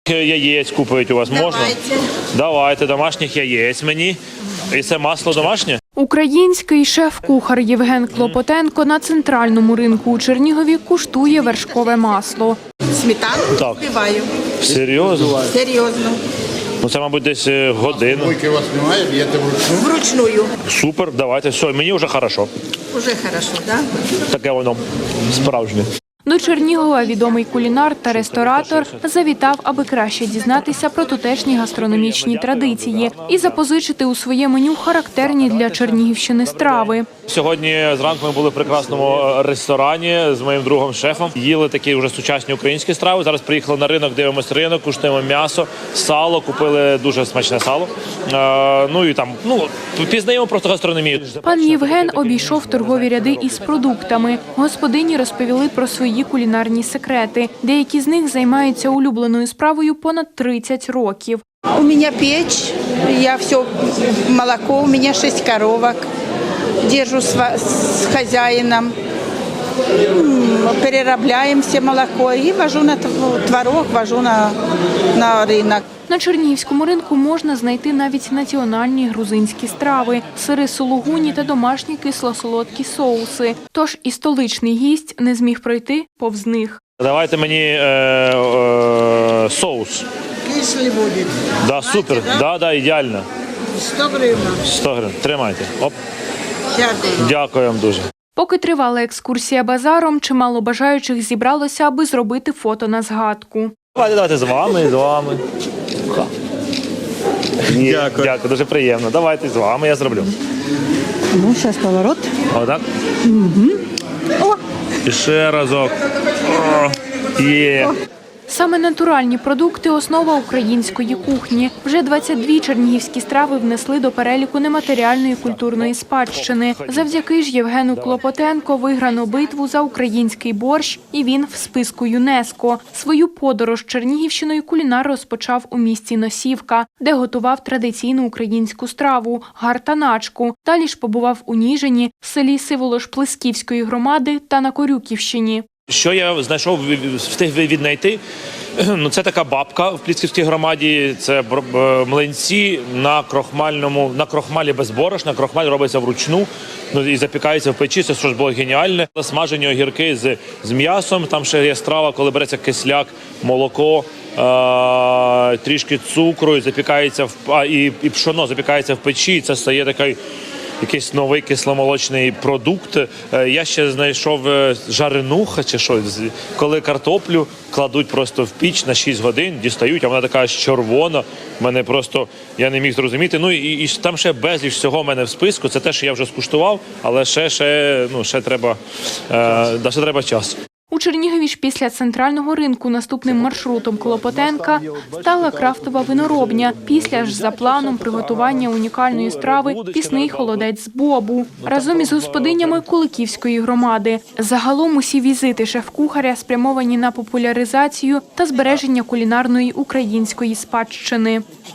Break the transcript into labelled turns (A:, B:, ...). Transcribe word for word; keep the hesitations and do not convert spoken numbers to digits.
A: Яєць купують у вас можна?
B: Давайте.
A: Давайте, домашніх яєць мені. І це масло домашнє?
C: Український шеф-кухар Євген Клопотенко на центральному ринку у Чернігові куштує вершкове масло.
B: Сметану
A: Так.
B: збиваю.
A: Серйозно?
B: Серйозно.
A: Ну це, мабуть, десь е, годину.
D: Мойки у вас немає, б'єте вручну?
B: Вручную.
A: Супер, давайте. Все, мені вже хорошо.
B: Уже хорошо, да?
A: Таке воно справжнє.
C: До Чернігова відомий кулінар та ресторатор завітав, аби краще дізнатися про тутешні гастрономічні традиції і запозичити у своє меню характерні для Чернігівщини страви.
A: Сьогодні зранку ми були в прекрасному ресторані з моїм другом шефом. Їли такі вже сучасні українські страви. Зараз приїхали на ринок, дивимося ринок, куштуємо м'ясо, сало, купили дуже смачне сало. Е, ну і там, ну, пізнаємо просто гастрономію.
C: Пан Євген обійшов торгові ряди із продуктами. Господині розповіли про свої кулінарні секрети. Деякі з них займаються улюбленою справою понад тридцять років.
B: У меня печь, я все, молоко, у меня шесть коровок. Держу с, ва- с хозяином. М, Переробляем все молоко и вожу на тв- творог, вожу на, на рынок.
C: На Чернігівському ринку можна знайти навіть національні грузинські страви – сири сулугуні та домашні кисло-солодкі соуси. Тож і столичний гість не зміг пройти повз них.
A: Давайте мені е, е, соус.
B: Если будет.
A: Да, супер. Да, да, ідеально.
B: сто гривен.
A: сто гривень. Тримайте. Оп.
B: Дякую.
A: Дякую вам дуже.
C: Поки тривала екскурсія базаром, чимало бажаючих зібралося, аби зробити фото на згадку.
A: Давайте, давайте з вами, з вами. Ні,
D: Дякую.
A: Дякую, дуже приємно. Давайте з вами, я зроблю.
E: Ну, сейчас поворот.
A: Отак. Угу. І ще разок. О, є.
C: Саме натуральні продукти – основа української кухні. Вже двадцять дві чернігівські страви внесли до переліку нематеріальної культурної спадщини. Завдяки ж Євгену Клопотенко виграно битву за український борщ, і він в списку ЮНЕСКО. Свою подорож Чернігівщиною кулінар розпочав у місті Носівка, де готував традиційну українську страву – гартаначку. Далі ж побував у Ніжині, селі Сиволош-Плесківської громади та на Корюківщині.
A: Що я знайшов, встиг віднайти, ну це така бабка в Плісківській громаді, це млинці на крохмальному, на крохмалі без борошна, крохмаль робиться вручну, ну і запікається в печі, це що ж було геніальне. Смажені огірки з, з м'ясом, там ще є страва, коли береться кисляк, молоко, е- трішки цукру, і запікається в, а, і, і пшоно запікається в печі, і це стає такий якийсь новий кисломолочний продукт. Я ще знайшов жаренуха чи що, коли картоплю кладуть просто в піч на шість годин, дістають, а вона така аж червона. Мене просто, я не міг зрозуміти. Ну і, і там ще безліч всього в мене в списку. Це те, що я вже скуштував, але ще, ще, ну, ще треба, е, ще треба час.
C: У Чернігові ж після центрального ринку наступним маршрутом Клопотенка стала крафтова виноробня. Після ж за планом приготування унікальної страви пісний холодець з бобу разом із господинями Куликівської громади. Загалом усі візити шеф-кухаря спрямовані на популяризацію та збереження кулінарної української спадщини.